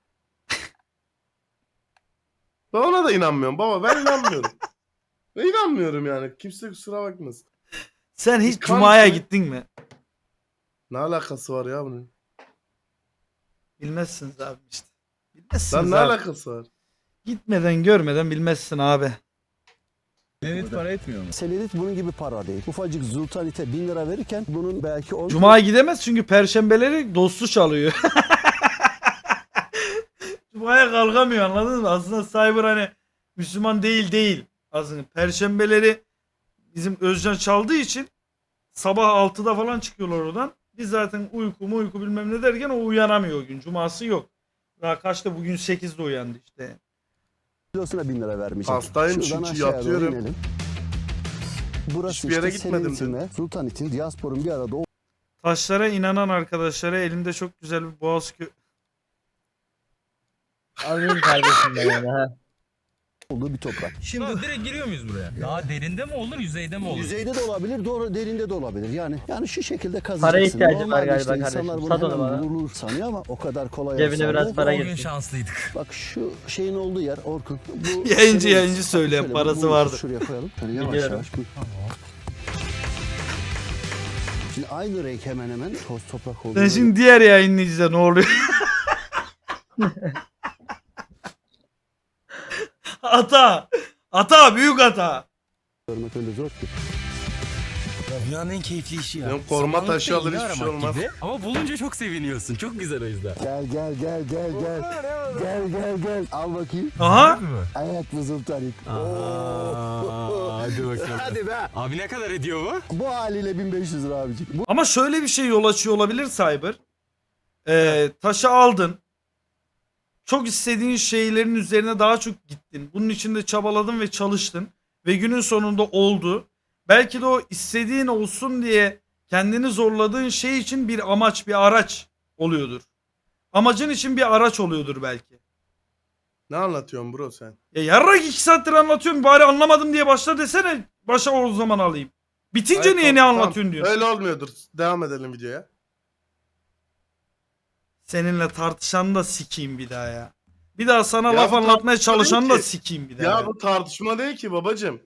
[SPEAKER 6] Ben ona da inanmıyorum baba, ben inanmıyorum. Ben inanmıyorum yani, kimse kusura bakmasın.
[SPEAKER 2] Sen hiç
[SPEAKER 6] Kan-
[SPEAKER 2] Cuma'ya gittin mi?
[SPEAKER 6] Ne alakası var ya bunun?
[SPEAKER 2] Bilmezsiniz abi işte. Bilmezsiniz
[SPEAKER 6] Lan ne
[SPEAKER 2] abi.
[SPEAKER 6] alakası var?
[SPEAKER 2] Gitmeden görmeden bilmezsin abi.
[SPEAKER 1] Evet, para etmiyor mu?
[SPEAKER 8] Selenit bunun gibi para değil. Ufacık zultanite 1000 lira verirken bunun belki 10
[SPEAKER 2] Cuma'ya gidemez çünkü perşembeleri dostu çalıyor. Cuma'ya kalkamıyor, anladın mı? Aslında Cyber hani Müslüman değil. Aslında perşembeleri bizim Özcan çaldığı için sabah 6'da falan çıkıyorlar oradan. Biz zaten uyku bilmem ne derken o uyanamıyor o gün. Cuması yok. Daha kaçta, bugün 8'de uyandı işte.
[SPEAKER 8] kilosuna 1000 lira vermeyecek.
[SPEAKER 6] Hastayım
[SPEAKER 8] Şuradan
[SPEAKER 6] çünkü,
[SPEAKER 8] aşağıya doğru
[SPEAKER 6] yatıyorum.
[SPEAKER 8] inelim. Burası
[SPEAKER 6] Hiçbir yere
[SPEAKER 8] işte
[SPEAKER 6] gitmedim
[SPEAKER 8] Selenitin ve Sultanit'in, diasporun bir arada
[SPEAKER 2] Taşlara inanan arkadaşlara elimde çok güzel bir boğaz
[SPEAKER 7] alayım kardeşim ben yani ha.
[SPEAKER 8] olduğu bir toprak.
[SPEAKER 1] Şimdi direkt giriyor muyuz buraya? Daha derinde mi olur, yüzeyde mi olur?
[SPEAKER 8] Yüzeyde de olabilir, doğru derinde de olabilir. Yani şu şekilde kazıyacaksın.
[SPEAKER 7] Paraya ihtiyacım var
[SPEAKER 8] Normalde
[SPEAKER 7] galiba
[SPEAKER 8] insanlar
[SPEAKER 7] kardeşim.
[SPEAKER 8] bunu
[SPEAKER 7] Sat onu
[SPEAKER 8] hemen
[SPEAKER 7] bana.
[SPEAKER 8] bulur sanıyor ama o kadar kolay
[SPEAKER 7] Cebine
[SPEAKER 8] olsa
[SPEAKER 7] biraz
[SPEAKER 8] da-
[SPEAKER 7] para
[SPEAKER 1] O gün
[SPEAKER 7] getir.
[SPEAKER 1] şanslıydık.
[SPEAKER 8] Bak şu şeyin olduğu yer Orkun. Bu
[SPEAKER 2] Yayıncı söyleyen
[SPEAKER 8] Şöyle
[SPEAKER 2] parası
[SPEAKER 8] bunu
[SPEAKER 2] vardı.
[SPEAKER 8] Şuraya koyalım. Şöyle yavaş
[SPEAKER 7] Biliyorum.
[SPEAKER 8] yavaş. Buyur. Şimdi aynı renk hemen hemen toz toprak olduğu
[SPEAKER 2] Sen şimdi diğer yayınlayıcıda ne oluyor? Ata büyük hata.
[SPEAKER 8] görmek öyle zor ki.
[SPEAKER 1] Dünyanın en keyifli işi ya.
[SPEAKER 6] Benim koruma
[SPEAKER 1] Samanlıkta
[SPEAKER 6] taşı alır,
[SPEAKER 1] iğne
[SPEAKER 6] hiçbir şey
[SPEAKER 1] aramak
[SPEAKER 6] olmaz.
[SPEAKER 1] gibi. Ama bulunca çok seviniyorsun. Çok güzel o yüzden.
[SPEAKER 8] Gel. Gel. Al bakayım.
[SPEAKER 2] Aha.
[SPEAKER 8] Evet bu Sultanit.
[SPEAKER 1] Hadi bakalım.
[SPEAKER 8] Hadi be.
[SPEAKER 1] Abi ne kadar ediyor bu?
[SPEAKER 8] Bu haliyle 1500 lira abicim. Bu
[SPEAKER 2] Ama şöyle bir şey yol açıyor olabilir Cyber. Taşı aldın. Çok istediğin şeylerin üzerine daha çok gittin. Bunun için de çabaladın ve çalıştın. Ve günün sonunda oldu. Belki de o istediğin olsun diye kendini zorladığın şey için bir amaç, bir araç oluyordur. Amacın için bir araç oluyordur belki.
[SPEAKER 6] Ne anlatıyorsun bro sen?
[SPEAKER 2] Ya yarrak 2 saattir anlatıyorum, bari anlamadım diye başla desene. Başa o zaman alayım. Bitince
[SPEAKER 6] Hayır,
[SPEAKER 2] niye ne
[SPEAKER 6] tamam,
[SPEAKER 2] anlatıyorsun diyor.
[SPEAKER 6] Öyle olmuyordur. Devam edelim videoya.
[SPEAKER 2] Seninle tartışan da sikeyim bir daha ya. Bir daha sana
[SPEAKER 6] Ya
[SPEAKER 2] laf
[SPEAKER 6] bu
[SPEAKER 2] anlatmaya
[SPEAKER 6] tartışma
[SPEAKER 2] çalışan
[SPEAKER 6] değil
[SPEAKER 2] da
[SPEAKER 6] ki.
[SPEAKER 2] sikeyim bir daha.
[SPEAKER 6] Ya
[SPEAKER 2] Ya.
[SPEAKER 6] bu tartışma değil ki babacım.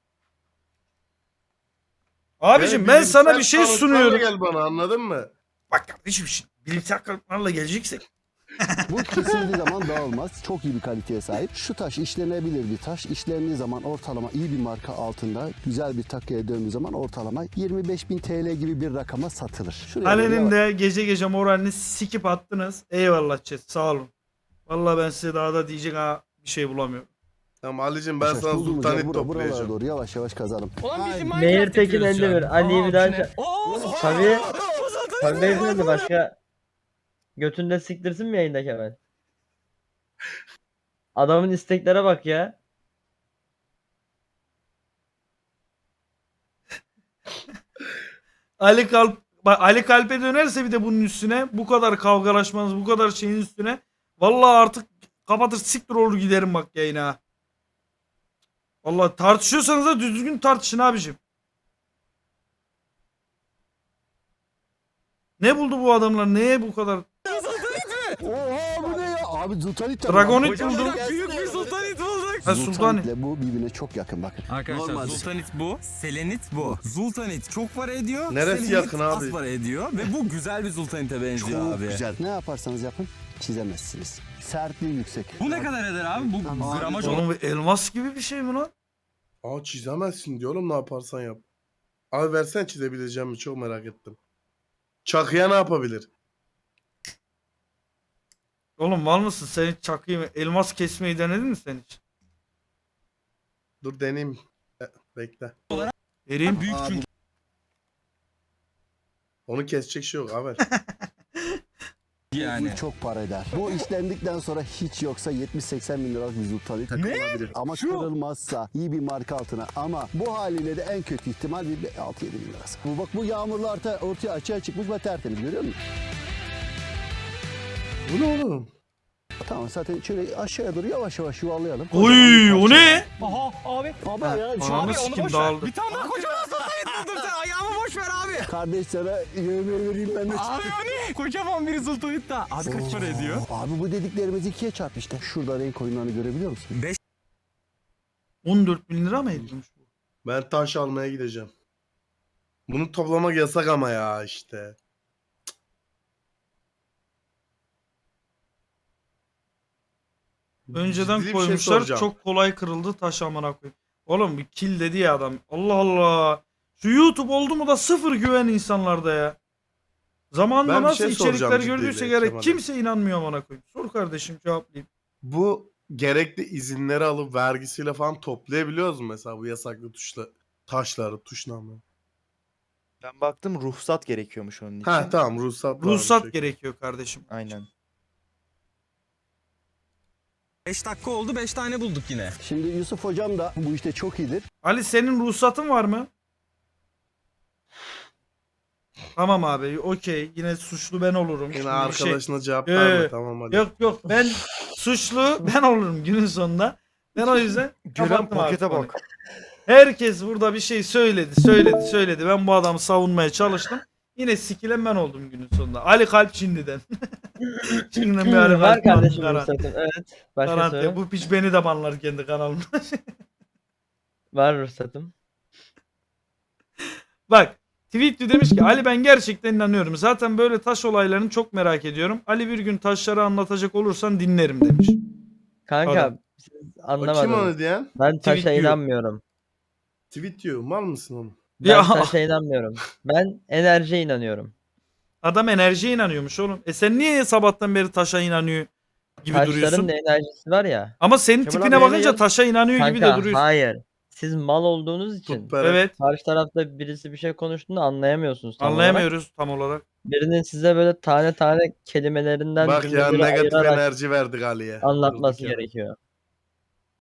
[SPEAKER 2] Abicim ben sana bir şey sunuyorum.
[SPEAKER 6] Gel bana, anladın mı?
[SPEAKER 2] Bak kardeşim şimdi bilimsel kanıtlarla geleceksek.
[SPEAKER 8] Bu kesildiği zaman dağılmaz. Çok iyi bir kaliteye sahip. Şu taş işlenebilir bir taş. İşlendiği zaman ortalama iyi bir marka altında güzel bir takıya döndüğü zaman ortalama 25.000 TL gibi bir rakama satılır. Şuraya
[SPEAKER 2] Ali'nin
[SPEAKER 8] böyle
[SPEAKER 2] de gece gece moralini sikip attınız. Eyvallah chat, sağ olun. Vallahi ben size daha da diyecek bir şey bulamıyorum.
[SPEAKER 6] Tamam Ali'cim ben
[SPEAKER 8] yavaş
[SPEAKER 6] sana
[SPEAKER 8] bulduğumuz yer
[SPEAKER 6] sultanit
[SPEAKER 8] buralara
[SPEAKER 6] toplayacağım.
[SPEAKER 8] doğru yavaş yavaş kazalım.
[SPEAKER 1] Ulan bizim
[SPEAKER 8] Aynen.
[SPEAKER 1] Minecraft
[SPEAKER 7] Nehir Tekin
[SPEAKER 1] yapıyoruz şu an.
[SPEAKER 7] 51. Ali'yi bir daha
[SPEAKER 1] Aa,
[SPEAKER 7] ça- Tabii. Tabii beyefendi başka götünde siktirsin mi yayında Kemal? Adamın isteklere bak ya.
[SPEAKER 2] Ali Kalp'e dönerse bir de bunun üstüne bu kadar kavgalaşmanız, bu kadar şeyin üstüne vallahi artık kapatır siktir olur giderim bak yayına. Ha. Vallahi tartışıyorsanız da düzgün tartışın abicim. Ne buldu bu adamlar? Neye bu kadar?
[SPEAKER 8] Oha bu ne ya? Abi Sultanit
[SPEAKER 2] Dragonit buldum.
[SPEAKER 1] Büyük bir sultanit bulduk.
[SPEAKER 2] Ha, Sultanit.
[SPEAKER 8] Sultanitle bu birbirine çok yakın bakın.
[SPEAKER 1] Arkadaşlar
[SPEAKER 8] Normal.
[SPEAKER 1] Sultanit bu, Selenit bu. Sultanit çok para ediyor.
[SPEAKER 6] Neresi
[SPEAKER 1] Selenit
[SPEAKER 6] yakın abi?
[SPEAKER 1] az para ediyor ve bu güzel bir Sultanit'e benziyor
[SPEAKER 8] Çok
[SPEAKER 1] abi.
[SPEAKER 8] güzel. Ne yaparsanız yapın çizemezsiniz. Sertliği yüksek.
[SPEAKER 1] Bu ne kadar eder abi? Bu gramaj olan.
[SPEAKER 2] Oğlum bu elmas gibi bir şey mi lan?
[SPEAKER 6] Aa çizemezsin diyorum, ne yaparsan yap. Abi versen çizebileceğim mi, çok merak ettim. Çakıya ne yapabilir?
[SPEAKER 2] Oğlum mal mısın? Sen hiç çakıyı mı? Elmas kesmeyi denedin mi sen hiç?
[SPEAKER 6] Dur deneyeyim. Bekle.
[SPEAKER 2] Vereyim.
[SPEAKER 1] Büyük çünkü.
[SPEAKER 6] Onu kesecek şey yok abi.
[SPEAKER 1] Yani.
[SPEAKER 8] Bu çok para eder. Bu işlendikten sonra hiç yoksa 70-80 bin liralık bir Sultanit takılabilir. Ama kırılmazsa iyi bir marka altına, ama bu haliyle de en kötü ihtimal bir 6-7 bin lirası. Bu bak, bu yağmurlu ortaya açığa çıkmış ve tertemiz, görüyor musun?
[SPEAKER 6] Bu ne oğlum?
[SPEAKER 8] Tamam, zaten şöyle aşağıya doğru yavaş yavaş yuvarlayalım.
[SPEAKER 2] Oy o ne?
[SPEAKER 1] Aha abi.
[SPEAKER 8] Abi ya şu
[SPEAKER 2] Ananı
[SPEAKER 1] Abi onu
[SPEAKER 2] sikim
[SPEAKER 1] boş ver.
[SPEAKER 2] dağıldı.
[SPEAKER 1] Bir tane daha kocaman sultanit buldum sen. Ayağımı boş ver abi.
[SPEAKER 8] kardeş sana yemeği vereyim ben de.
[SPEAKER 1] Abi o ne? Kocaman bir sultanit daha. Abi kaç para ediyor?
[SPEAKER 8] Abi bu dediklerimiz ikiye çarp işte. Şurada renk oyunlarını görebiliyor musun?
[SPEAKER 2] 14 bin lira mı ediyormuş bu?
[SPEAKER 6] Ben taş almaya gideceğim. Bunu toplamak yasak ama ya işte.
[SPEAKER 2] Önceden
[SPEAKER 6] Ciddi bir şey
[SPEAKER 2] koymuşlar
[SPEAKER 6] soracağım.
[SPEAKER 2] çok kolay kırıldı taş amına koyayım. Oğlum bir kill dedi ya adam. Allah Allah. Şu YouTube oldu mu da sıfır güven insanlarda ya. Zamanında
[SPEAKER 6] Ben bir
[SPEAKER 2] nasıl
[SPEAKER 6] şey
[SPEAKER 2] içerikler
[SPEAKER 6] soracağım
[SPEAKER 2] gördüyse
[SPEAKER 6] ciddiyle
[SPEAKER 2] gerek
[SPEAKER 6] Kemal'e.
[SPEAKER 2] kimse inanmıyor amına koyayım. Sor kardeşim cevaplayayım.
[SPEAKER 6] Bu gerekli izinleri alıp vergisiyle falan toplayabiliyoruz mu mesela bu yasaklı taşları, tuş namı?
[SPEAKER 9] Ben baktım ruhsat gerekiyormuş onun için.
[SPEAKER 6] Ha tamam, ruhsat.
[SPEAKER 2] Ruhsat
[SPEAKER 6] varmış.
[SPEAKER 2] gerekiyor kardeşim.
[SPEAKER 9] Aynen.
[SPEAKER 1] 5 dakika oldu 5 tane bulduk yine.
[SPEAKER 8] Şimdi Yusuf hocam da bu işte çok iyidir.
[SPEAKER 2] Ali senin ruhsatın var mı? Tamam abi okey. Yine suçlu ben olurum.
[SPEAKER 6] Yine
[SPEAKER 2] Şimdi
[SPEAKER 6] arkadaşına cevap
[SPEAKER 2] Ee,
[SPEAKER 6] verme, tamam hadi.
[SPEAKER 2] Yok ben suçlu ben olurum günün sonunda. Ben o yüzden
[SPEAKER 9] Gören
[SPEAKER 2] kapattım abi
[SPEAKER 9] pakete
[SPEAKER 2] konuyu.
[SPEAKER 9] bak.
[SPEAKER 2] Herkes burada bir şey söyledi. Ben bu adamı savunmaya çalıştım. Yine sikilen ben oldum günün sonunda. Ali Kalp Çinli'den. Çinli'den bir Ali
[SPEAKER 7] Var
[SPEAKER 2] Kalp
[SPEAKER 7] kardeşim
[SPEAKER 2] garanti.
[SPEAKER 7] ruhsatım. Evet. Başka
[SPEAKER 2] Garanti.
[SPEAKER 7] soru.
[SPEAKER 2] Bu piç beni de banlar kendi kanalımda.
[SPEAKER 7] Var ruhsatım.
[SPEAKER 2] Bak Tweetli demiş ki Ali ben gerçekten inanıyorum. Zaten böyle taş olaylarını çok merak ediyorum. Ali bir gün taşları anlatacak olursan dinlerim demiş.
[SPEAKER 7] Kanka
[SPEAKER 2] Adam.
[SPEAKER 7] siz
[SPEAKER 6] O kim
[SPEAKER 7] anlamadınız.
[SPEAKER 6] onu diyen?
[SPEAKER 7] Ben taşa
[SPEAKER 2] Tweet diyor.
[SPEAKER 7] inanmıyorum.
[SPEAKER 6] Tweet diyor. Mal mısın oğlum?
[SPEAKER 7] Ben
[SPEAKER 2] Ya.
[SPEAKER 7] taşa inanmıyorum. Ben enerjiye inanıyorum.
[SPEAKER 2] Adam enerjiye inanıyormuş oğlum. Sen niye sabahtan beri taşa inanıyor gibi duruyorsun?
[SPEAKER 7] Taşların da enerjisi var ya.
[SPEAKER 2] Ama senin
[SPEAKER 9] Kemal
[SPEAKER 2] tipine
[SPEAKER 9] abi
[SPEAKER 2] bakınca
[SPEAKER 9] yayına
[SPEAKER 2] taşa inanıyor gibi de
[SPEAKER 7] Kanka
[SPEAKER 2] duruyorsun.
[SPEAKER 7] hayır. Siz mal olduğunuz için
[SPEAKER 6] Tut bere.
[SPEAKER 2] Evet.
[SPEAKER 7] karşı tarafta birisi bir şey konuştuğunda anlayamıyorsunuz tam olarak.
[SPEAKER 2] Anlayamıyoruz tam olarak.
[SPEAKER 7] Birinin size böyle tane tane kelimelerinden
[SPEAKER 6] Bak ya,
[SPEAKER 7] cümleleri
[SPEAKER 6] negatif
[SPEAKER 7] ayırarak
[SPEAKER 6] enerji verdik Ali'ye.
[SPEAKER 7] anlatması
[SPEAKER 6] Durduk yere.
[SPEAKER 7] gerekiyor.